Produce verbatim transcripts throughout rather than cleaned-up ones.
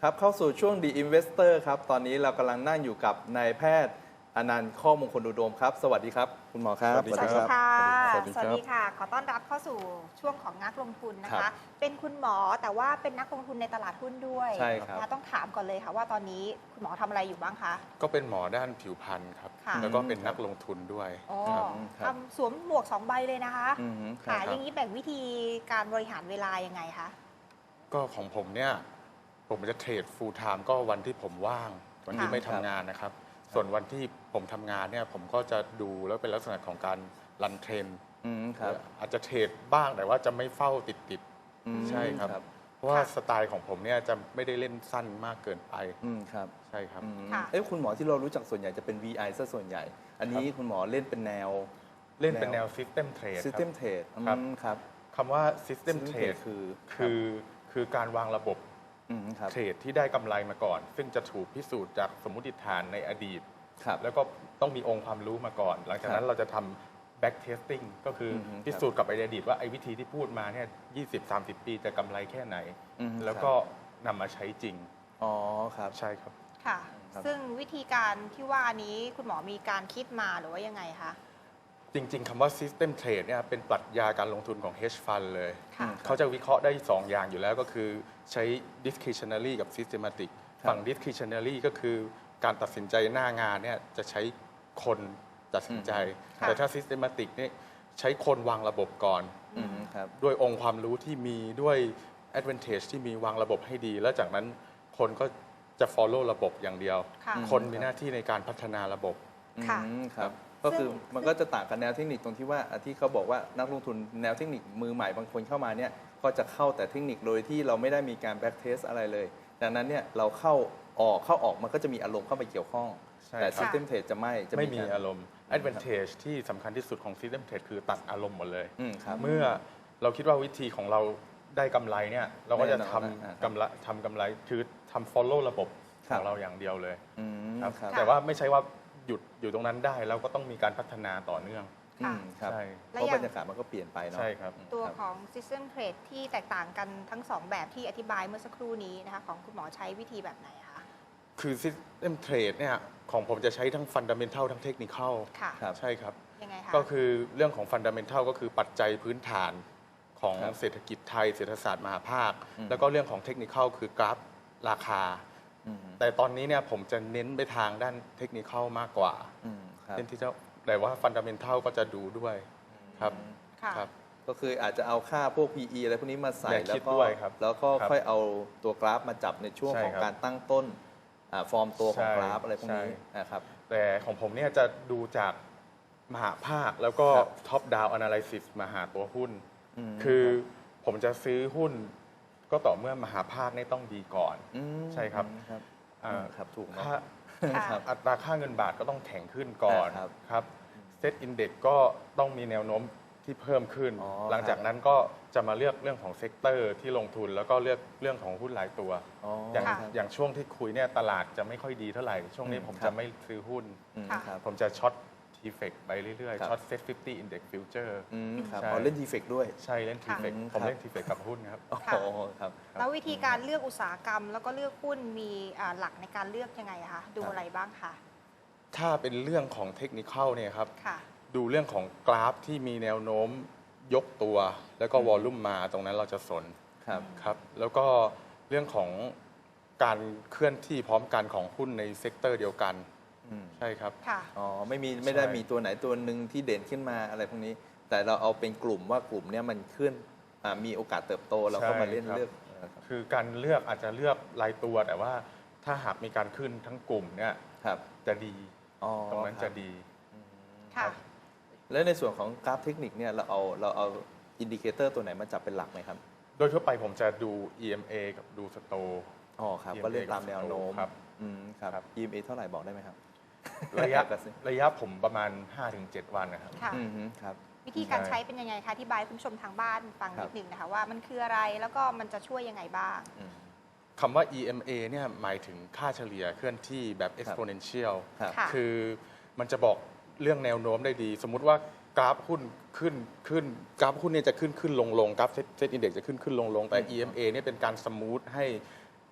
ครับเข้าสู่ช่วง The Investor ครับตอนนี้เรากำลังนั่งอยู่กับนายแพทย์อนันต์ข้อมงคลอุดมครับสวัสดีครับคุณหมอครับสวัสดีค่ะสวัสดีสครับวัสดีค่ะ ขอต้อนรับเข้าสู่ช่วงของนักลงทุนนะครัคะบเป็นคุณหมอแต่ว่าเป็นนักลงทุนในตลาดหุ้นด้วยใช่ครับนะต้องถามก่อนเลยค่ะว่าตอนนี้คุณหมอทำอะไรอยู่บ้างคะก็เป็นหมอด้านผิวพรรณครับค่ะแล้วก็เป็นนักลงทุนด้วยอ๋อครับครับทำสวมหมวกสองใบเลยนะคะอืมคค่ะรับอย่างนี้แบ่งวิธีการบริหารเวลายังไงคะก็ของผมเนี่ย ผมจะเทรด full time ก็วันที่ผมว่าง วันที่ค่ะไม่ทำงานนะครับ ส่วนวันที่ผมทำงานเนี่ย ผมก็จะดูแล้วเป็นลักษณะของการรันเทรนอืมครับอาจจะเทรดบ้างแต่ว่าจะไม่เฝ้าติดติดๆอืมใช่ครับครับเพราะว่าค่ะสไตล์ของผมเนี่ยจะไม่ได้เล่นสั้นมากเกินไปอืมครับใช่ครับอืมค่ะเอ้ยคุณหมอที่เรารู้จักส่วนใหญ่จะเป็น วี ไอ ซะส่วนใหญ่ อันนี้คุณหมอเล่นเป็นแนวเล่นเป็นแนว system trade ครับ System Trade อืครับมครับคำว่า system System trade Trade คือคือคือการวางระบบอืมครับเทรดที่ได้กำไรมาก่อน ซึ่งจะถูกพิสูจน์จากสมมติฐานในอดีตครับแล้วก็ต้องมีองค์ความรู้มาก่อน หลังจากนั้นเราจะทำ back testing ก็คือออฮึพิสูจน์กับอดีตว่าไอ้วิธีที่พูดมาเนี่ยยี่สิบสามสิบ ปีจะกำไรแค่ไหนอืมแล้วก็นำมาใช้จริงอ๋อครับใช่ครับค่ะครับซึ่งวิธีการที่ว่านี้คุณหมอมีการคิดมาหรือว่ายังไงคะจริง ๆคำว่า system trade เนี่ยเป็นปรัชญาการลงทุนของ hedge fund เลยค่ะเขาจะวิเคราะห์ได้สองอย่างอยู่แล้วก็คือใช้ discretionary กับ systematic ครับฝั่ง discretionary ก็คือการตัดสินใจหน้างานเนี่ยจะใช้คนตัดสินใจค่ะแต่ถ้า systematic เนี่ยใช้คนวางระบบก่อนอืมครับด้วยองค์ความรู้ที่มีด้วย advantage ที่มีวางระบบให้ดี แล้วจากนั้นคนก็จะ follow ระบบอย่างเดียวค่ะคนมีหน้าที่ในการพัฒนาระบบค่ะอืมครับ ก็คือซึ่งมันก็จะต่างกับแนวเทคนิคตรงที่ว่าอ่ะที่เขาบอกว่านักลงทุนแนวเทคนิคมือใหม่บางคนเข้ามาเนี่ยก็จะเข้าแต่เทคนิคโดยที่เราไม่ได้มีการแบ็กเทสอะไรเลย ดังนั้นเนี่ยเราเข้าออกเข้าออกมันก็จะมีอารมณ์เข้าไปเกี่ยวข้องใช่แต่ครับ System Trade จะไม่จะไม่มีกอารมณ์ advantage ที่สำคัญที่สุดของ system trade คือตัดอารมณ์หมดเลยอืมครับเมื่อเราคิดว่าวิธีของเราได้กำไรเนี่ยเราก็จะแน่นอนทำนะครับกำไรทำกำไรคือทำ follow ระบบคขรับองเราอย่างเดียวเลยอืมครับครับแต่ว่าไม่ใช่ว่าหยุดอยู่ตรงนั้นได้เราก็ต้องมีการพัฒนาต่อเนื่องอืมครับใช่เพราะบรรยากาศมันก็เปลี่ยนไปเนาะใช่ครับอืมตัวครับของ System Trade ที่แตกต่างกันทั้งสองแบบที่อธิบายเมื่อสักครู่นี้นะคะของคุณหมอใช้วิธีแบบไหนคะคือ system trade เนี่ยของผมจะใช้ทั้ง fundamental ทั้ง technical ค่ะครับใช่ครับยังไงคะก็คือเรื่องของ fundamental ก็คือปัจจัยพื้นฐานของครับเศรษฐกิจไทยเศรษฐศาสตร์มหาภาคอืมแล้วก็เรื่องของ technical คือกราฟราคาอืมแต่ตอนนี้เนี่ยผมจะเน้นไปทางด้านเทคนิคมากกว่าอืมครับเน้นที่จะแต่ว่าฟันดัมเ n นทัลก็จะดูด้วยครับค่ะครับก็คืออาจจะเอาค่าพวก พี อี อะไรพวกนี้มาใส่อย่าแล้วคิดก็ด้วยครับแล้วก็ครับค่อยเอาตัวกราฟมาจับในช่วงใช่ของครับการตั้งต้นอ่าฟอร์มตัวของใช่กราฟอะไรพวกนี้ใช่นะครับแต่ของผมเนี่ยจะดูจากมหาภาคแล้วก็ครับท็อปดาวน์ a นาลิซิสมาหาตัวหุ้นมคือผมจะซื้อหุ้น ก็ต่อเมื่อมหาภาคเนี่ยต้องดีก่อนมใช่ครับครับอ่าอืมครับถูกเนอะค่าค่ะครับอัตราค่าเงินบาทก็ต้องแข็งขึ้นก่อนอ่าครับครับเซตอินเด็กก็ต้องมีแนวโน้มที่เพิ่มขึ้นอ๋อหลังจากนั้นก็จะมาเลือกเรื่องของเซกเตอร์ที่ลงทุน แล้วก็เลือกเรื่องของหุ้นรายตัวอ๋ออย่างครับอย่างช่วงที่คุยเนี่ยตลาดจะไม่ค่อยดีเท่าไหร่ ช่วงนี้อืมผมครัจะบไม่ซื้อหุ้นอืมค่ะครับผมจะช็อตทีเฟกไปเรื่อยครับๆช็อตเซ็ตฟิฟตี้อินเด็กฟิวเจอร์อืมครับใช่อ๋อเล่นดีเฟกด้วยใช่เล่นทีเฟกค่ะผมเล่นทีเฟกกับหุ้นครับอ๋อค่ะครับแล้ววิธีการเลือกอุตสาหกรรม แล้วก็เลือกหุ้นมีอ่าหลักในการเลือกยังไงคะดูครับอะไรบ้างคะถ้าเป็นเรื่องของเทคนิคเนี่ยครับค่ะดูเรื่องของกราฟที่มีแนวโน้มยกตัว แล้วก็อืมวอลลุ่มมาตรงนั้นเราจะสนครับครับแล้วก็เรื่องของการเคลื่อนที่พร้อมกันของหุ้นในเซกเตอร์เดียวกันอืมใช่ครับค่ะอ๋อไม่มีไม่ได้ใช่มีตัวไหนตัวหนึ่งที่เด่นขึ้นมาอะไรพวกนี้ แต่เราเอาเป็นกลุ่มว่ากลุ่มเนี้ยมันขึ้นอ่ามีโอกาสเติบโตเราก็มาเล่นเลือกเออครับคือการเลือกอาจจะเลือกรายตัวแต่ว่าถ้าหากมีการขึ้นทั้งกลุ่มเนี่ยครับจะดีอ๋อตรงนั้นคจะบดีค่ะแล้วในส่วนของกราฟเทคนิคเนี่ยเราเอาเราเอาอินดิเคเตอร์ตัวไหนมาจับเป็นหลักไหมครับโดยทั่วไปผมจะดู อี เอ็ม เอ กับดูสโตอ๋อครับอี เอ็ม เอก็เล่นตามแนวโน้มครับอืมครับครับอี เอ็ม เอ เท่าไหร่บอกได้ไหมครับระยะกระซิบระยะผมประมาณ ห้าถึงเจ็ด วันนะครับค่ะอืมฮึครับวิธีการใช่ใช้เป็นยังไงคะที่บายคุณผู้ชมทางบ้านฟังครันิบดหนึ่งนะคะว่ามันคืออะไรแล้วก็มันจะช่วยยังไงบ้างอืมคำว่า อี เอ็ม เอ เนี่ยหมายถึงค่าเฉลี่ยเคลื่อนที่แบบ exponential ครับค่ะคือมันจะบอกเรื่องแนวโน้มได้ดี สมมุติว่ากราฟหุ้นขึ้นขึ้นกราฟหุ้นเนี่ยจะขึ้นขึ้นลงลงกราฟเซ็ตอินเด็กจะขึ้นขึ้นลงลงแต่อืมอี เอ็ม เอ เนี่ยเป็นการสมูทให้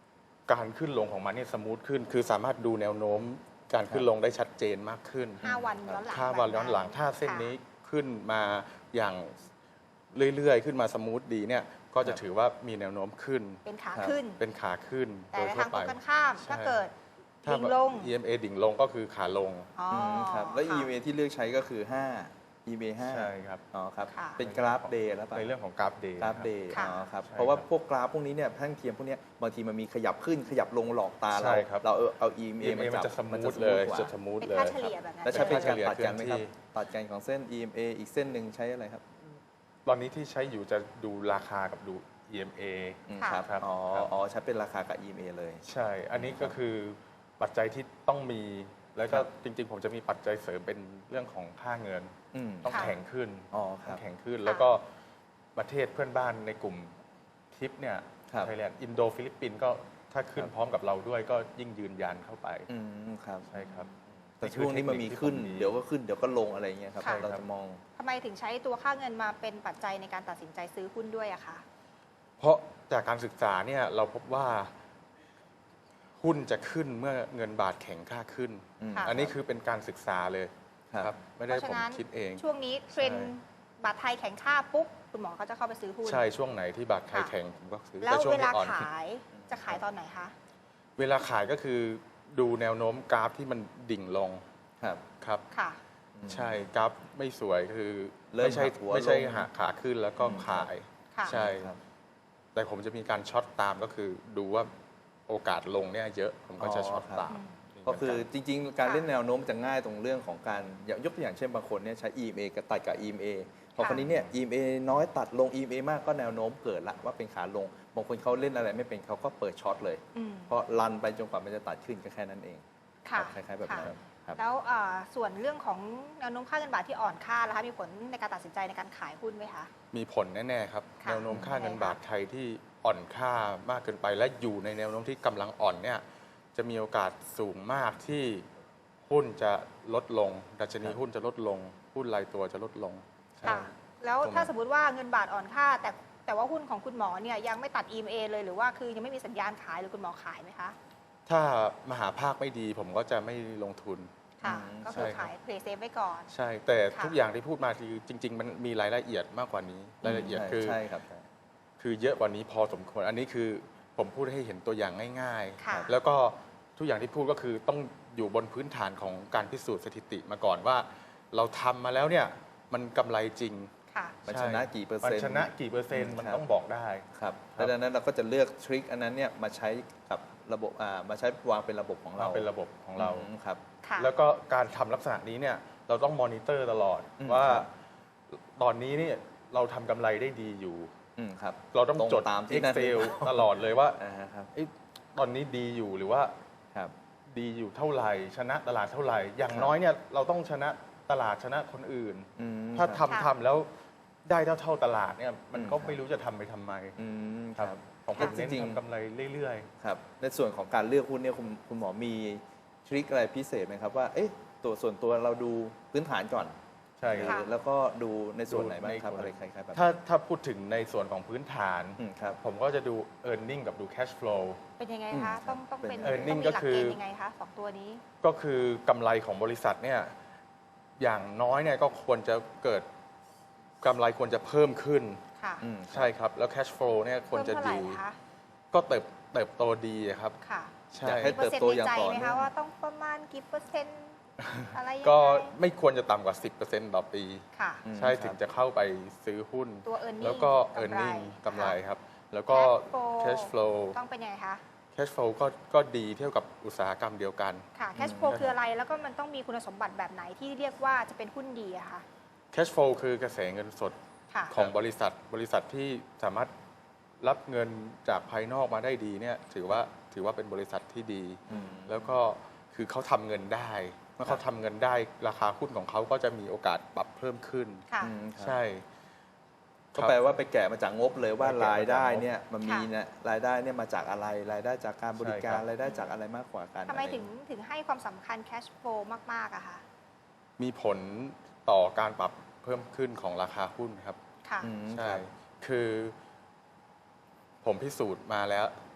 การขึ้นลงของมันเนี่ยสมูทขึ้น คือสามารถดูแนวโน้มการขึ้นลงได้ชัดเจนมากขึ้นห้าวันย้อนหลังถ้าวันย้อนหลังแบบถ้าเส้นค่ะนี้ขึ้นมาอย่างเรื่อยๆ ขึ้นมาสมูทดีเนี่ยก็จะถือว่ามีแนวโน้มขึ้นเป็นขาครับขึ้นเป็นขาขึ้นแต่โดยในทั่ทาว งตไปรงกันข้ามใช่ถ้าเกิดถ้าดิ่งลงอี เอ็ม เอ ดิ่งลงก็คือขาลงอ๋อมครับแล้วค่ะอี เอ็ม เอ ที่เลือกใช้ก็คือ ห้า อี เอ็ม เอ ห้าใช่ครับอ๋อครับค่ะเป็นกราฟเดย์แล้วป่ะในเรื่องของกราฟเดย์กราฟเดย์ค่ะอ๋อครับใช่เพราะว่าครับพวกกราฟพวกนี้เนี่ยแท่งเทียมพวกเนี้ยบางทีมันมีขยับขึ้นขยับลงหลอกตาใช่เราครับเราเอาเอา อี เอ็ม เอเอ็มมาเอมันจับจะสมูทนเลยกว่าจะสมูทเป็นเลยค่าเฉลี่ยแบบนั้นแล้วใช้เป็นการใช่ตัดกันไหมครับเคลื่อนที่ตัดกันของเส้น อี เอ็ม เอ อีกเส้นหนึ่งใช้อะไรครับตอนนี้ที่ใช้อยู่จะดูราคากับดู อี เอ็ม เออืมค่ะครับครับอ๋อครับอ๋อใช้เป็นราคากับ อี เอ็ม เอ เลยใช่ อันนี้ก็คือปัจจัยที่ต้องมี แล้วก็ครับจริงๆ ผมจะมีปัจจัยเสริมเป็นเรื่องของค่าเงินอืมต้องค่ะแข็งขึ้นอ๋อคต้รัองบแข็งขึ้นค่ะแล้วก็ประเทศเพื่อนบ้านในกลุ่มทิปเนี่ยครับไทยแลนด์อินโดฟิลิปปินส์ก็ถ้าขึ้นครับพร้อมกับเราด้วยก็ยิ่งยืนยันเข้าไปอืมครับใช่ครับแต่ช่วงนี้มันมีขึ้นที่ผเดี๋ยวก็ขึ้นเดี๋ยวก็ลงอะไรเงี้ยครับค่ะเราจะมองทำไมถึงใช้ตัวค่าเงินมาเป็นปัจจัยในการตัดสินใจซื้อหุ้นด้วยอะคะเพราะจากการศึกษาเนี่ยเราพบว่าหุ้นจะขึ้นเมื่อเงินบาทแข็งค่าขึ้นอืมค่ะอันนี้คือเป็นการศึกษาเลยครับไม่ได้เพราะผมฉะนั้นคิดเองช่วงนี้เทรนด์บาทไทยแข็งค่าปุ๊บคุณหมอก็จะเข้าไปซื้อหุ้นใช่ช่วงไหนที่บาทไทยค่ะแข็งผมก็ซื้อแล้วต่ช่งเวลาที่อ่อนขายจะขายตอนไหนคะเวลาขายก็คือดูแนวโน้มกราฟที่มันดิ่งลงครับครับค่ะใช่กราฟไม่สวยคือเริ่มไม่ใช่หักหัวไม่ใช่ลงหักขาขึ้นแล้วก็อืมขายค่ะใช่ครับแต่ผมจะมีการช็อตตามก็คือดูว่าโอกาสลงเนี่ยเยอะผมก็จะช็อตอ๋อครับตามก็คือจริงๆ การค่ะเล่นแนวโน้มจะง่ายตรงเรื่องของการอย่างยกตัวอย่างเช่นบางคนเนี่ยใช้ อี เอ็ม เอ กับตัดกับ อี เอ็ม เอ พอค่ะคนนี้เนี่ย อี เอ็ม เอ น้อยตัดลง อี เอ็ม เอ มากก็แนวโน้มเกิดละว่าเป็นขาลง บางคนเขาเล่นอะไรไม่เป็นเขาก็เปิดช็อตเลยอืมเพราะรันไปจนกว่ามันจะตัดขึ้นก็แค่นั้นเองค่ะคล้ายๆแบบนั้นครับแล้วอ่าส่วนเรื่องของแนวโน้มค่าเงินบาทที่อ่อนค่าแล้วคะมีผลในการตัดสินใจในการขายหุ้นไหมคะมีผลแน่ๆครับค่ะแนวโน้มค่าเงินยังไงคะบาทไทยที่อ่อนค่ามากเกินไป และอยู่ในแนวโน้มที่กำลังอ่อนเนี่ยจะมีโอกาสสูงมากที่หุ้นจะลดลง ดัชนีครับหุ้นจะลดลง หุ้นรายตัวจะลดลงค่ะ แล้วตรงนั้นถ้าสมมติว่าเงินบาทอ่อนค่า แต่แต่ว่าหุ้นของคุณหมอเนี่ยยังไม่ตัด อี เอ็ม เอ เลยหรือว่าคือยังไม่มีสัญญาณขายหรือคุณหมอขายไหมคะถ้ามหาภาคไม่ดีผมก็จะไม่ลงทุนค่ะอืมก็คือใช่ครับขายเพลย์เซฟไว้ก่อนใช่ แต่ค่ะทุกอย่างที่พูดมาคือจริง ๆ มันมีรายละเอียดมากกว่านี้ รายละเอียดใช่คือใช่ครับใช่คือเยอะกว่านี้พอสมควร อันนี้คือผมพูดให้เห็นตัวอย่างง่ายค่ะๆ แล้วก็ทุกอย่างที่พูดก็คือต้องอยู่บนพื้นฐานของการพิสูจน์สถิติมาก่อนว่า เราทำมาแล้วเนี่ยมันกำไรจริงค่ะมันใช่ชนะกี่เปอร์มันเซ็นต์ชนะกี่เปอร์เซ็นต์มันครับต้องบอกได้ครับครับดังนั้นเราก็จะเลือกทริคอันนั้นเนี่ยมาใช้กับระบบอ่ามาใช้วางเป็นระบบของเราเราเป็นระบบของเราอืมครับค่ะแล้วก็การทำลักษณะนี้เนี่ยเราต้องมอนิเตอร์ตลอดอืมว่าครับตอนนี้เนี่ยเราทำกำไรได้ดีอยู่อืมครับเราต้องตรงจดตามที่นั่น Excel ตลอดเลยว่าอ่าครับเอ๊ะตอนนี้ดีอยู่หรือว่าครับดีอยู่เท่าไหร่ ชนะตลาดเท่าไหร่ อย่างครับน้อยเนี่ยเราต้องชนะตลาดชนะคนอื่นอืมถ้าครับทำค่ะทำแล้วได้เท่าเท่าตลาดเนี่ยมันอืมก็ครับไม่รู้จะทำไปทำไมอืมคครัรับบ ของผมจเน้นริงๆทำกำไรเรื่อยครับในส่วนของการเลือกหุ้นเนี่ยคุณคุณหมอมีทริคอะไรพิเศษไหมครับว่าเอ๊ะตัวส่วนตัวเราดูพื้นฐานก่อนๆ ใช่ครับค่ะแล้วก็ดูในส่วนไหนบ้างดูในครับส่วนอะไรคล้ายๆแบบถ้าถ้าพูดถึงในส่วนของพื้นฐานอืมครับผมก็จะดู e a r n i n g กับดู cash flow เป็นยังไงอืมคะครัต้อบ งต้องเป็นเป็นต้อง earning มีก็หลักคือเกณฑ์ยังไงคะสองตัวนี้ก็คือกำไรของบริษัทเนี่ยอย่างน้อยเนี่ยก็ควรจะเกิดกำไรควรจะเพิ่มขึ้นค่ะอืมใช่ครับ แล้ว cash flow เนี่ยควรเพิ่มจะเท่าไหร่ดีคะก็เติบเติบโตดีครับค่ะใช่อยากให้มีเปอร์เซ็นต์เติบโตในอย่างใจต่อไหมเนื่คะองว่าต้องประมาณกี่เปอร์เซ็นต์อะไรยังไงก็ไม่ควรจะต่ำกว่า สิบเปอร์เซ็นต์ ต่อปีค่ะอืมใช่ครับถึงจะเข้าไปซื้อหุ้นตัว earning แล้วก็กำไร earning กำไรค่ะครับ แล้วก็ Cash cash flow flow ต้องเป็นยังไงคะ cash flow ก็ก็ดีเท่ากับอุตสาหกรรมเดียวกันค่ะ cash flow คืออะไรแล้วก็มันต้องมีคุณสมบัติแบบไหนที่เรียกว่าจะเป็นหุ้นดีอะคะ cash flow คือกระแสเงินสดค่ะของบริษัทบริษัทที่สามารถรับเงินจากภายนอกมาได้ดีเนี่ยถือว่าถือว่าเป็นบริษัทที่ดีอืมแล้วก็คือเขาทำเงินได้ เมื่อเขาทำเงินได้ราคาหุ้นของเขาก็จะมีโอกาสปรับเพิ่มขึ้นค่ะอืมครับใช่ก็แปลว่าไปแกะมาจากงบเลยว่าไปแกะมาจากงบรายได้เนี่ยมันมีค่ะเนี่ยรายได้เนี่ยมาจากอะไรรายได้จากการบริการใช่ครับรายได้จากอะไรมากกว่ากันทำไมอะรถึงถึงให้ความสำคัญ cash flow มาก ๆอะคะมีผลต่อการปรับเพิ่มขึ้นของราคาหุ้นครับค่ะอืมใช่ครับคือผมพิสูจน์มาแล้ว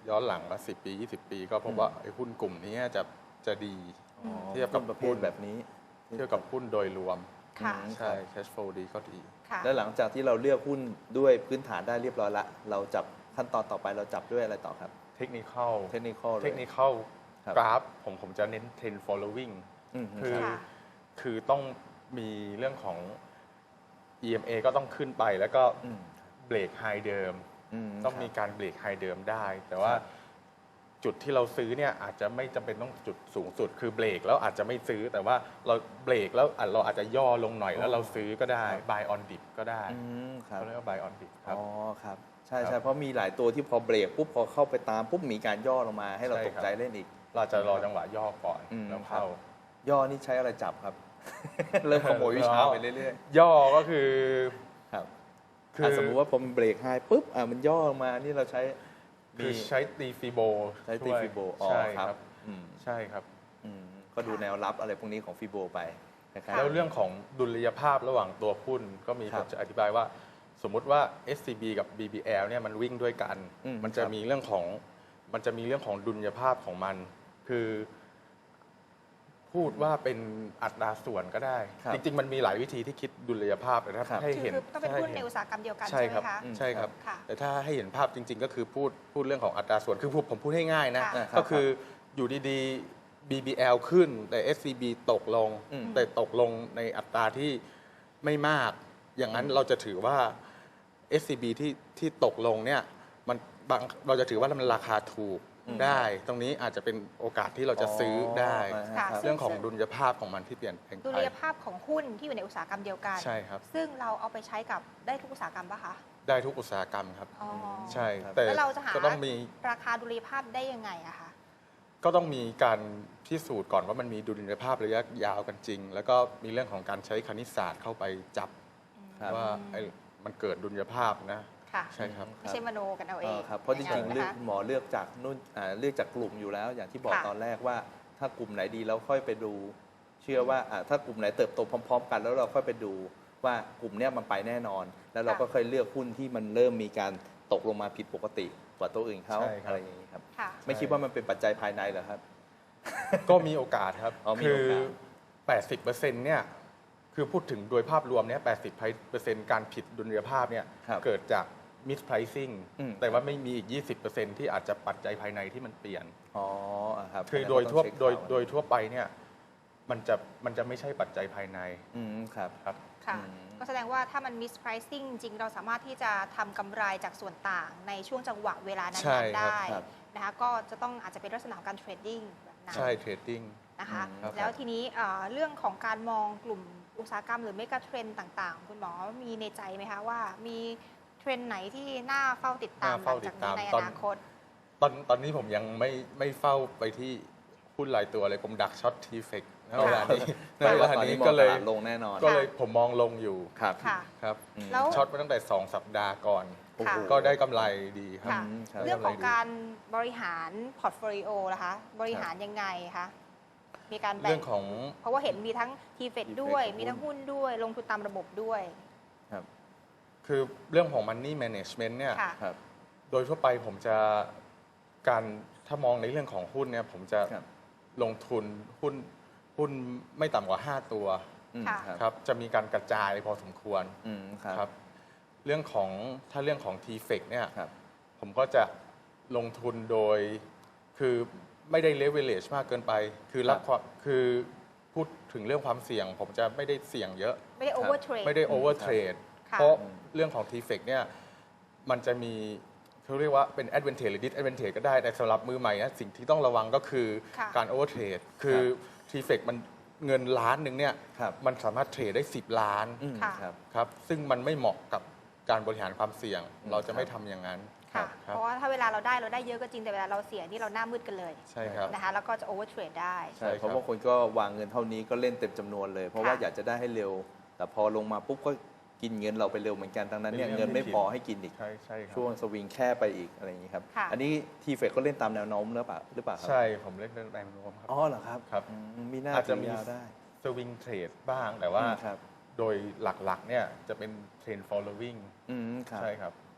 ย้อนหลังมาสิบปียี่สิบปี ก็พบว่าไอ้หุ้นกลุ่มนี้จะจะดีอ๋อเทียบกับหุ้นประเภหุ้ทนแบบนี้เทียบกับหุ้นโดยรวมค่ะอืมใช่ cash flow ดีก็ดีค่ะแล้วหลังจากที่เราเลือกหุ้นด้วยพื้นฐานได้เรียบร้อยละ เราจับขั้นตอนต่อไปเราจับด้วยอะไรต่อครับเทคนิคอลเทคนิคอลเลยเทคนิคอลครับกราฟผมผมจะเน้น trend following อืมคือค่ะคือต้องมีเรื่องของ อี เอ็ม เอ ก็ต้องขึ้นไปแล้วก็อืมเบรกไฮเดิมอืมต้องมีครับการเบรกไฮเดิมได้ แต่ว่าครับจุดที่เราซื้อเนี่ยอาจจะไม่จำเป็นต้องจุดสูงสุด คือเบรกแล้วอาจจะไม่ซื้อ แต่ว่าเราเบรกแล้วอาจเราอาจจะย่อลงหน่อยแล้วเราซื้อก็ได้ buy on dip ก็ได้อืมครับเขาเรียกว่า buy on dip ครับอ๋อครับใช่ครัใช่บเพราะมีหลายตัวที่พอเบรกปุ๊บพอเข้าไปตามปุ๊บมีการย่อลงมาให้เราใช่ตกครับใจเล่นอีกเราจะรอจังหวะย่อก่อนอืมแล้วเข้าย่อนี่ใช้อะไรจับครับ เริ่มขโมยวิชาไปเรื่อยย่อก็คือๆครับคืออ่ะสมมุติว่าผมเบรกไฮปุ๊บอ่ะมันย่อลงมานี่เราใช้คือใช้ตีฟิโบใช้ตีช่วยฟิโบอ๋อใช่คครัรับบ อืมใช่ครับอืมก็ดูแนวรับอะไรพวกนี้ของฟิโบไปนะครับแล้วเรื่องของดุลยภาพระหว่างตัวหุ้นก็มีครัผบมจะอธิบายว่า สมมุติว่า เอส ซี บี กับ บี บี แอล เนี่ยมันวิ่งด้วยกันอืมมันจะครับมีเรื่องของมันจะมีเรื่องของดุลยภาพของมัน คือพูดว่าเป็นอัตราส่วนก็ได้ครับจริง ๆ มันมีหลายวิธีที่คิดดุลยภาพแต่ถ้าครับให้คือเห็นคือต้องเป็นหุ้นในให้อุตสาหกรรมเดียวกันใช่ใช่ไหครัมบคะอืมใช่ครับค่ะแต่ถ้าให้เห็นภาพจริง ๆ ก็คือพูดพูดเรื่องของอัตราส่วนคือพูดผมพูดให้ง่ายนะค่ะครับก็คืออยู่ดีๆ บี บี แอล ขึ้นแต่ เอส ซี บี ตกลงอืมแต่ตกลงในอัตราที่ไม่มาก อย่างนั้นเราจะถือว่า เอส ซี บี ที่ที่ตกลงเนี่ยมันบางเราจะถือว่ามันราคาถูกอืมได้ ตรงนี้อาจจะเป็นโอกาสที่เราจะซื้อได้อ๋อค่ะครับเรื่องของดุลยภาพของมันที่เปลี่ยนแปลงดุไปลยภาพของหุ้นที่อยู่ในอุตสาหกรรมเดียวกันใช่ครับซึ่งเราเอาไปใช้กับได้ทุกอุตสาหกรรมปะคะได้ทุกอุตสาหกรรมครับอ๋อใช่ครับแต่แล้วเราจะหาก็ต้องมีราคาดุลยภาพได้ยังไงอะคะก็ต้องมีการพิสูจน์ก่อนว่ามันมีดุลยภาพระยะยาวกันจริง แล้วก็มีเรื่องของการใช้คณิตศาสตร์เข้าไปจับครับว่าไอ้มันเกิดดุลยภาพนะค่ะใช่ครับไม่ใช่มโนกันเอาเอเองอครับเพราะจริงๆอย่เลืนั้อกนนะคะหมอเลือกจากนู่นอ่าเลือกจากกลุ่มอยู่แล้ว อย่างที่บอกค่ะตอนแรกว่าถ้ากลุ่มไหนดีแล้วค่อยไปดู เชื่อว่าอ่าถ้ากลุ่มไหนเติบโตพร้อม ๆ กัน แล้วเราค่อยไปดูว่ากลุ่มเนี้ยมันไปแน่นอน แล้วเราก็ค่อยเลือกหุ้นที่มันเริ่มมีการตกลงมาผิดปกติกว่าตัวอื่นเขาใช่ครับอะไรอย่างนี้ครับค่ะไม่คิดว่ามันเป็นปัจจัยภายในเหรอครับก็มีโอกาสครับอ๋อมีคืโอกาสแปดสิบเปอร์เซ็นต์เนี่ยคือพูดถึงโดยภาพรวมเนี่ยแปดสิบเปอร์เซ็นต์การผิดดุลยภาพเนี่ยครับเกิดจาก mispricing อืมแต่ว่าไม่มีอีก ยี่สิบเปอร์เซ็นต์ ที่อาจจะปัจจัยภายในที่มันเปลี่ยนอ๋ออ่ะครับคืองั้นโดยก็ทั่วต้องเช็คโดยข่าวโดยทั่วไปเนี่ยมันจะมันจะไม่ใช่ปัจจัยภายในอืมครับครับค่ะอืมก็แสดงว่าถ้ามัน mispricing จริงเราสามารถที่จะทำกำไรจากส่วนต่างในช่วงจังหวะเวลานั้ใช่นๆครับได้ครับนะคะก็จะต้องอาจจะเป็นลักษณะของการเทรดดิ้งแบบนั้นใช่เทรดดิ้งนะคะอืมครับแล้วทีนี้เอ่อเรื่องของการมองกลุ่มอุตสาหกรรมหรือเมกะเทรนต่างๆ คุณหมอมีในใจไหมคะว่ามีเทรนด์ไหนที่น่าเฝ้าติดตามน่าหลัเฝ้าง ติจาดกตานี้มในอตอนนาคตตอนตอนนี้ผมยังไม่ไม่เฝ้าไปที่หุ้นรายตัวเลยผมดักช็อตทีเฟกณเวลานี้ณแปลเวว่าลาตอนนี้นี้มองก็ตเลยลาดลงแน่นอนก็เลยผมมองลงอยู่ครับค่ะครับอืมแล้วช็อตมาตั้งแต่สองสัปดาห์ก่อนโอ้โหค่ะก็ได้กำไรดีครับค่ะอืมครับเรื่องของการบริหารพอร์ตโฟลิโอนะคะ บริหารยังไงคะมีการแบ่เรื่อง งของเพราะว่าเห็นมีทั้งทีเฟด T-F E D ด้วยของหุ้นมีทั้งหุ้นด้วย ลงทุนตามระบบด้วยครับคือเรื่องของ Money Management เนี่ยค่ะครับโดยทั่วไปผมจะการถ้ามองในเรื่องของหุ้นเนี่ยผมจะครับลงทุนหุ้นหุ้นไม่ต่ำกว่า ห้า ตัวอืมค่ะครับครับจะมีการกระจายพอสมควรอืมครับครับเรื่องของถ้าเรื่องของ ที เฟก เนี่ยครับผมก็จะลงทุนโดยคือไม่ได้ leverage มากเกินไป คือรับความคือพูดถึงเรื่องความเสี่ยง ผมจะไม่ได้เสี่ยงเยอะไม่ได้โอเวอร์เทรดไม่ได้ over trade ค่ะเพราะเรื่องของ ที เฟก เนี่ยมันจะมีเขาเรียกว่าเป็น advantage หรือ disadvantage ก็ได้ แต่สำหรับมือใหม่นะสิ่งที่ต้องระวังก็คือค่ะการ over trade คือ ที เฟก มันเงินล้านหนึ่งเนี่ยครับมันสามารถเทรดได้ สิบ ล้านอืมค่ะครับครับซึ่งมันไม่เหมาะกับการบริหารความเสี่ยงอืมเราจะไม่ครัทำบอย่างนั้นค่ะครับเพราะว่าถ้าเวลาเราได้เราได้เยอะก็จริง แต่เวลาเราเสียนี่เราหน้ามืดกันเลยใช่ครับนะคะ แล้วก็จะโอเวอร์เทรดได้ใช่ใช่ครับเพราะว่าคนก็วางเงินเท่านี้ก็เล่นเต็มจำนวนเลย เพราะว่าค่ะอยากจะได้ให้เร็ว แต่พอลงมาปุ๊บก็กินเงินเราไปเร็วเหมือนกันดังนั้นเนี่ยเป็นเรื่เงิองนไม่ที่พอให้กินอีกใช่ใช่ครับช่วงสวิงแค่ไปอีกอะไรอย่างนี้ครับค่ะอันนี้ทีเฟกก็เล่นตามแนวโน้มหรือเปล่าหรือเปล่าครับใช่ผมเล่นเรื่องแรงโน้มครับอ๋อเหรอครับครับอืมมีหน้าอาจจะมีถืยาวได้สวิงเทรดบ้างแต่ว่าอืมครับโดยหลักๆเนี่ยจะเป็นเทรน following อืมครับใช่ครับอ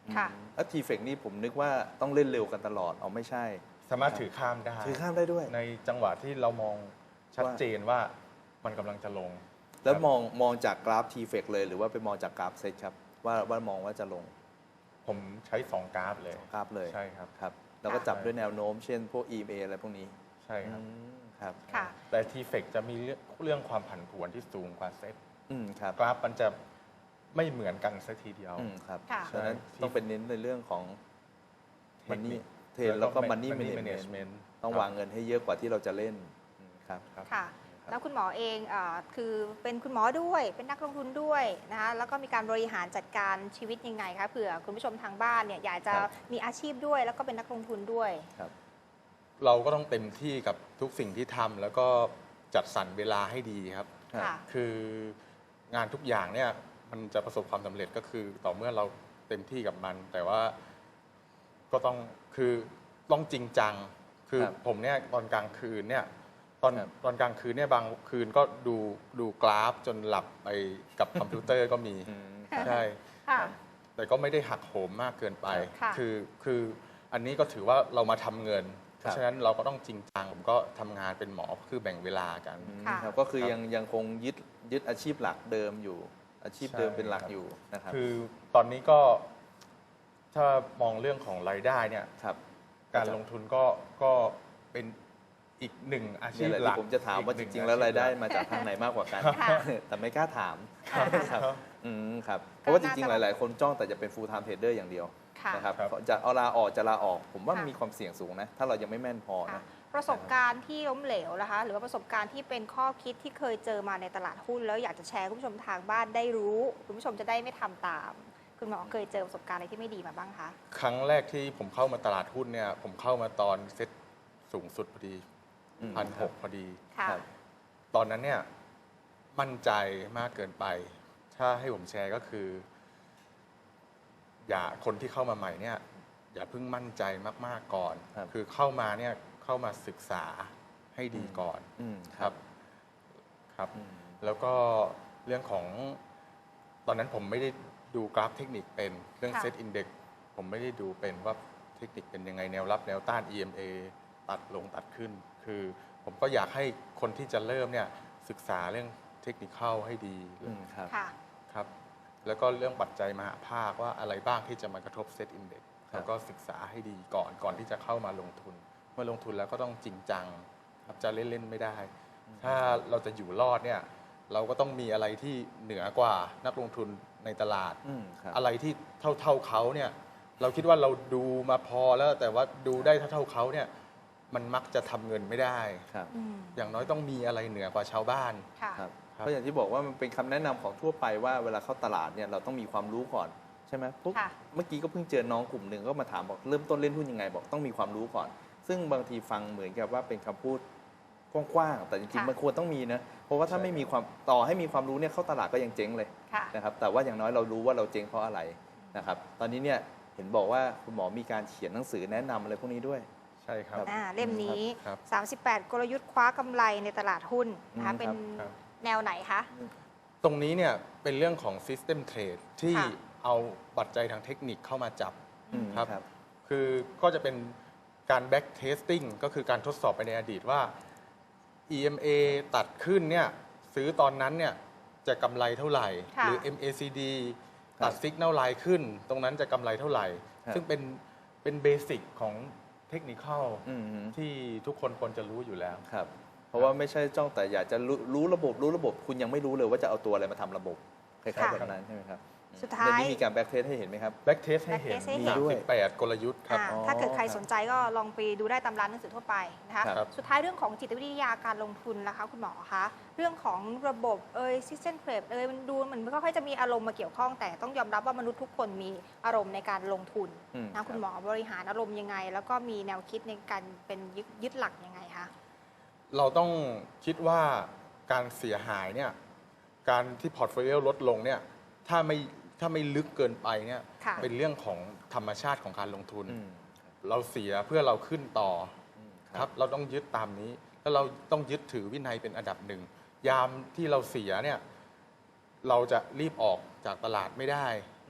ค่ะแล้วทีเฟกนี่ผมนึกว่าต้องเล่นเร็วกันตลอดเอาไม่ใช่สามารถถือข้ามได้ถือข้ามได้ด้วยในจังหวะที่เรามองชัดเจนว่ามันกำลังจะลงแล้วครับมองมองจากกราฟทีเฟกเลยหรือว่าไปมองจากกราฟเซตครับว่าว่ามองว่าจะลงผมใช้สองกราฟเลยกราฟเลยใช่ครับครับแล้วก็จับด้วยแนวโน้มเช่นพวก อี เอ็ม เอ อะไรพวกนี้ใช่ครับอืมครับค่ะแต่ทีเฟกจะมีเรื่องเรื่องความผันผวนที่สูงกว่าเซตอืมครับกราฟมันจะไม่เหมือนกันสักทีเดียวอืมครับค่ะฉะนั้นใช่ต้องเป็นเน้นในเรื่องของเทคนิ money คเทรนแล้วก็ money Money management management ต้องวางเงินให้เยอะกว่าที่เราจะเล่นอืมครับครับค่ะ แล้วคุณหมอเองเออคือเป็นคุณหมอด้วยเป็นนักลงทุนด้วยนะคะแล้วก็มีการบริหารจัดการชีวิตยังไงคะเผื่อคุณผู้ชมทางบ้านเนี่ยอยากจะครับมีอาชีพด้วย แล้วก็เป็นนักลงทุนด้วยครับเราก็ต้องเต็มที่กับทุกสิ่งที่ทำแล้วก็จัดสรรเวลาให้ดีครับครับค่ะคืองานทุกอย่างเนี่ยมันจะประสบความสำเร็จก็คือต่อเมื่อเราเต็มที่กับมัน แต่ว่าก็ต้องคือต้องจริงจัง คือครับผมเนี่ยตอนกลางคืนเนี่ยตอนครับตอนกลางคืนเนี่ยบางคืนก็ดูดูกราฟจนหลับไปกับคอมพิวเตอร์ก็มีอืมครับใช่ค่ะแต่ก็ไม่ได้หักโหมมากเกินไปค่ะคือคืออันนี้ก็ถือว่าเรามาทำเงิน เพครับราะฉะนั้นเราก็ต้องจริงจัง ผมก็ทำงานเป็นหมอคือแบ่งเวลากันอืมค่ะครับก็คือครับยังยังคงยึดยึดอาชีพหลักเดิมอยู่ อาชีพเดิมใช่เป็นหลักครับอยู่นะครับคือตอนนี้ก็ถ้ามองเรื่องของรายได้เนี่ยครับการลงทุนก็ก็เป็นอีกหนึ่งอาชีนี่พแหละหลักที่ผมจะถามว่าอีกหนึ่จริง ๆ แล้วรายได้อชีพหลักมาจากทางไหนมากกว่ากันค่ะแต่ไม่กล้าถามค่ะครับอืมครับเพราะว่าจก็น่าริงจะๆ หลาย ๆ คนจ้องแต่จะเป็น full time trader อย่างเดียวค่ะนะครับครับจะเอาลาออกจะลาออก ผมว่าค่ะมีความเสี่ยงสูงนะ ถ้าเรายังไม่แม่นพอค่ะนะประสบการณ์ที่ล้มเหลวนะคะ หรือว่าประสบการณ์ที่เป็นข้อคิดที่เคยเจอมาในตลาดหุ้น แล้วอยากจะแชร์ให้คุณผู้ชมทางบ้านได้รู้ คุณผู้ชมจะได้ไม่ทำตาม คุณหมอเคยเจอประสบการณ์อะไรที่ไม่ดีมาบ้างคะครั้งแรกที่ผมเข้ามาตลาดหุ้นเนี่ย ผมเข้ามาตอนเซ็ตสูงสุดพอดีอืมพันคหรับกพอดีค่ะครับตอนนั้นเนี่ยมั่นใจมากเกินไป ถ้าให้ผมแชร์ก็คือ อย่าคนที่เข้ามาใหม่เนี่ย อย่าเพิ่งมั่นใจมากๆก่อนครับคือเข้ามาเนี่ยเข้ามาศึกษาให้ดีก่อนอืมครับครับอืมแล้วก็เรื่องของตอนนั้นผมไม่ได้ดูกราฟเทคนิคเป็นเรื่องค่ะเซตอินเด็กผมไม่ได้ดูเป็นว่าเทคนิคเป็นยังไงแนวรับแนวต้าน อี เอ็ม เอ ตัดลงตัดขึ้น คือผมก็อยากให้คนที่จะเริ่มเนี่ยศึกษาเรื่องเทคนิคเข้าให้ดีอืมครับค่ะครับ แล้วก็เรื่องปัจจัยมหาภาคว่าอะไรบ้างที่จะมากระทบเซตอินเด็กครับแล้วก็ศึกษาให้ดีก่อนก่อนที่จะเข้ามาลงทุน เมื่อลงทุนแล้วก็ต้องจริงจังครับจะเล่นๆไม่ได้ ถ้าเราจะอยู่รอดเนี่ย เราก็ต้องมีอะไรที่เหนือกว่านักลงทุนในตลาดอืมครับอะไรที่เท่าเท่าๆเขาเนี่ย เราคิดว่าเราดูมาพอแล้วแต่ว่าดูได้เท่าเท่าๆเขาเนี่ย มันมักจะทำเงินไม่ได้ครับอืมอย่างน้อยต้องมีอะไรเหนือกว่าชาวบ้านค่ะครับครับเพราะอย่างที่บอกว่ามันเป็นคำแนะนำของทั่วไปว่าเวลาเข้าตลาดเนี่ยเราต้องมีความรู้ก่อนใช่ไหมพวกค่ะเมื่อกี้ก็เพิ่งเจอน้องกลุ่มหนึ่งก็มาถามบอกเริ่มต้นเล่นหุ้นยังไงบอกต้องมีความรู้ก่อน ซึ่งบางทีฟังเหมือนกับว่าเป็นคำพูดกว้างๆแต่จริงค่ะๆมันควรต้องมีนะเพราะว่าถ้าใช่ไม่มีความต่อให้มีความรู้เนี่ยเข้าตลาดก็ยังเจ๊งเลยค่ะนะครับแต่ว่าอย่างน้อยเรารู้ว่าเราเจ๊งเพราะอะไรนะครับตอนนี้เนี่ยเห็นบอกว่าคุณหมอมีการเขียนหนังสือแนะนำอะไรพวกนี้ด้วยใช่ครับอ่าเล่มนี้ครับสามสิบแปด กลยุทธ์คว้ากำไรในตลาดหุ้นนะคะอืมเป็นครับแนวไหนคะตรงนี้เนี่ยเป็นเรื่องของ System Trade ที่ค่ะเอาปัจจัยทางเทคนิคเข้ามาจับอืมครับครับคือก็จะเป็นการ back testing ก็คือการทดสอบไปในอดีตว่า อี เอ็ม เอ ตัดขึ้นเนี่ยซื้อตอนนั้นเนี่ยจะกำไรเท่าไหร่ค่ะหรือ เอ็ม เอ ซี ดีครับตัด Signal Line ขึ้น ตรงนั้นจะกำไรเท่าไหร่ครับซึ่งเป็นเป็นเบสิกของเทคนิคอืมที่ทุกคนควรจะรู้อยู่แล้วครับเพราะว่าไม่ใช่จ้องแต่อยากจะรู้รู้ระบบรู้ระบบ คุณยังไม่รู้เลยว่าจะเอาตัวอะไรมาทำระบบคล้ายๆค่ะแบบนั้นใช่ไหมครับสุดท้ายเดี๋ยวนี้มีการแบ็กเทสให้เห็นไหมครับ back test ให้เห็น back test ให้เห็นด้วยสามสิบแปดกลยุทธ์ครับอ่าอ๋อถ้าเกิดใครครับสนใจก็ลองไปดูได้ตามร้านหนังสือทั่วไปนะคะครับสุดท้ายเรื่องของจิตวิทยาการลงทุนนะคะคุณหมอคะ เรื่องของระบบเอ่ยซิสเต็มเทรดเอ่ยมันดูเหมือนไม่ค่อยจะมีอารมณ์มาเกี่ยวข้อง แต่ต้องยอมรับว่ามนุษย์ทุกคนมีอารมณ์ในการลงทุนอืมนะคุณหมอบริหารอารมณ์ยังไง แล้วก็มีแนวคิดในการเป็นยึดยึดหลักยังไงคะเราต้องคิดว่าการเสียหายเนี่ยการที่พอร์ตโฟลิโอลดลงเนี่ยถ้าไม่ถ้าไม่ลึกเกินไปเนี่ยค่ะเป็นเรื่องของธรรมชาติของการลงทุนอืมเราเสียเพื่อเราขึ้นต่ออืมครับเราต้องยึดตามนี้ แล้วเราต้องยึดถือวินัยเป็นอันดับหนึ่ง ยามที่เราเสียเนี่ยเราจะรีบออกจากตลาดไม่ได้อืมครับ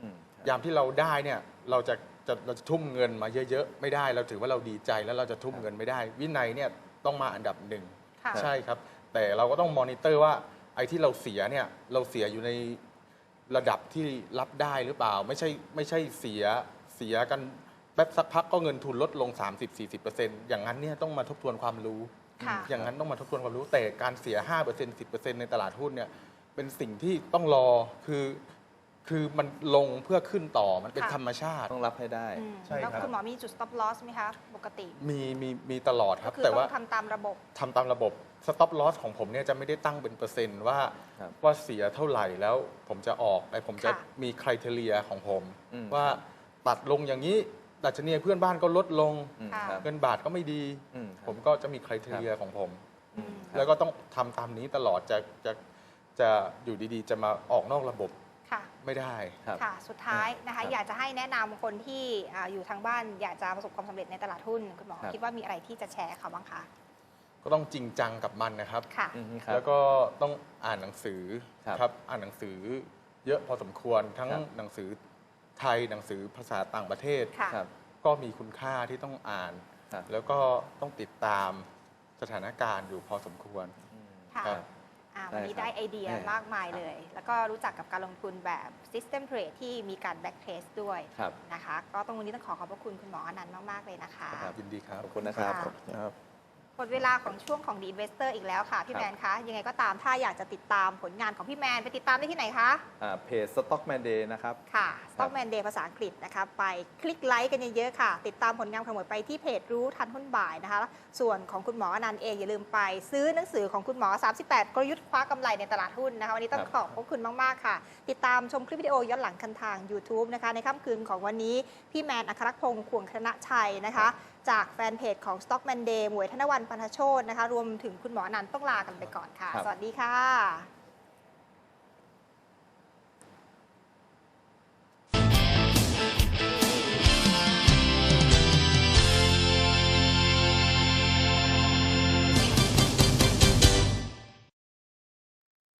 ยามที่เราได้เนี่ยเราจะจะเราจะทุ่มเงินมาเยอะๆไม่ได้เราถือว่าเราดีใจแล้วเราจะทุ่มเงินไม่ได้ วินัยเนี่ยต้องมาอันดับหนึ่งค่ะใช่ครับ แต่เราก็ต้องมอนิเตอร์ว่าไอ้ที่เราเสียเนี่ยเราเสียอยู่ในระดับที่รับได้หรือเปล่า ไม่ใช่ไม่ใช่เสียเสียกันแป๊บสักพักก็เงินทุนลดลง สามสิบถึงสี่สิบเปอร์เซ็นต์ อย่างนั้นเนี่ยต้องมาทบทวนความรู้ค่ะอย่างนั้นต้องมาทบทวนความรู้แต่การเสีย ห้าเปอร์เซ็นต์ สิบเปอร์เซ็นต์ ในตลาดหุ้นเนี่ยเป็นสิ่งที่ต้องรอคือคือมันลงเพื่อขึ้นต่อมันเป็นค่ะธรรมชาติต้องรับให้ได้อืมใช่แล้วครับคุณหมอมีจุด stop loss ไหมคะปกติมีมีมีตลอดคก็รับคือแต่ต้อว่างทำตามระบบทำตามระบบ stop loss ของผมเนี่ยจะไม่ได้ตั้งเป็นเปอร์เซ็นต์ว่าครับว่าเสียเท่าไหร่แล้วผมจะออกแต่ผมจะค่ะมีคุณทีเรียของผมอืมว่าตัดลงอย่างนี้ดัชนีเพื่อนบ้านก็ลดลงอืมค่ะครับเงินบาทก็ไม่ดีอืมผมก็จะมีคุณทีเรียของผมอืมครับแล้วก็ต้องทำตามนี้ตลอดจะจะจะอยู่ดีๆ จะมาออกนอกระบบค่ะไม่ได้ครับค่ะ สุดท้ายนะคะครับอยากจะให้แนะนำคนที่อ่าอยู่ทางบ้าน อยากจะประสบความสำเร็จในตลาดหุ้นคุณหมอครับคิดว่ามีอะไรที่จะแชร์เขาบ้างคะก็ต้องจริงจังกับมันนะครับค่ะอืมครับแล้วก็ต้องอ่านหนังสือครับครับอ่านหนังสือเยอะพอสมควรทั้งครับหนังสือไทยหนังสือภาษาต่างประเทศค่ะครับก็มีคุณค่าที่ต้องอ่านครับแล้วก็ต้องติดตามสถานการณ์อยู่พอสมควรอืมค่ะครับอ่าได้วันนี้ครับได้ไอเดียแน่มากมายเลย แล้วก็รู้จักกับการลงทุนแบบ System Trade ที่มีการ back trace ด้วยครับนะคะ ก็ต้องวันนี้ต้องขอขอบพระคุณคุณหมออนันต์มาก ๆ เลยนะคะครับยินดีครับขอบคุณนะครับค่ะขอบคุณครับหมดเวลาของช่วงของ The Investor อีกแล้วค่ะ พี่ครับแมนคะ ยังไงก็ตามถ้าอยากจะติดตามผลงานของพี่แมน ไปติดตามได้ที่ไหนคะอ่าเพจ Stockman Day นะครับค่ะ Stockman Day ภาษาอังกฤษนะคะ ไปคลิกไลค์กันเยอะๆค่ะ ติดตามผลงานของหมวยไปที่เพจรู้ทันหุ้นบ่ายนะคะ ส่วนของคุณหมออนันต์เองอย่าลืมไปซื้อหนังสือของคุณหมอ สามสิบแปด กลยุทธ์คว้ากำไรในตลาดหุ้นนะคะ วันนี้ต้องครับขอบพระคุณมากๆค่ะ ติดตามชมคลิปวิดีโอย้อนหลังกันทาง YouTube นะคะ ในค่ำคืนของวันนี้พี่แมนอัครพงศ์ขวงธนชัยนะคะ จากแฟนเพจของ Stockman Day หมวยธนวรรณ ปันธโชตนะคะ รวมถึงคุณหมออนันต์ต้องลากันไปก่อนค่ะครับสวัสดีค่ะ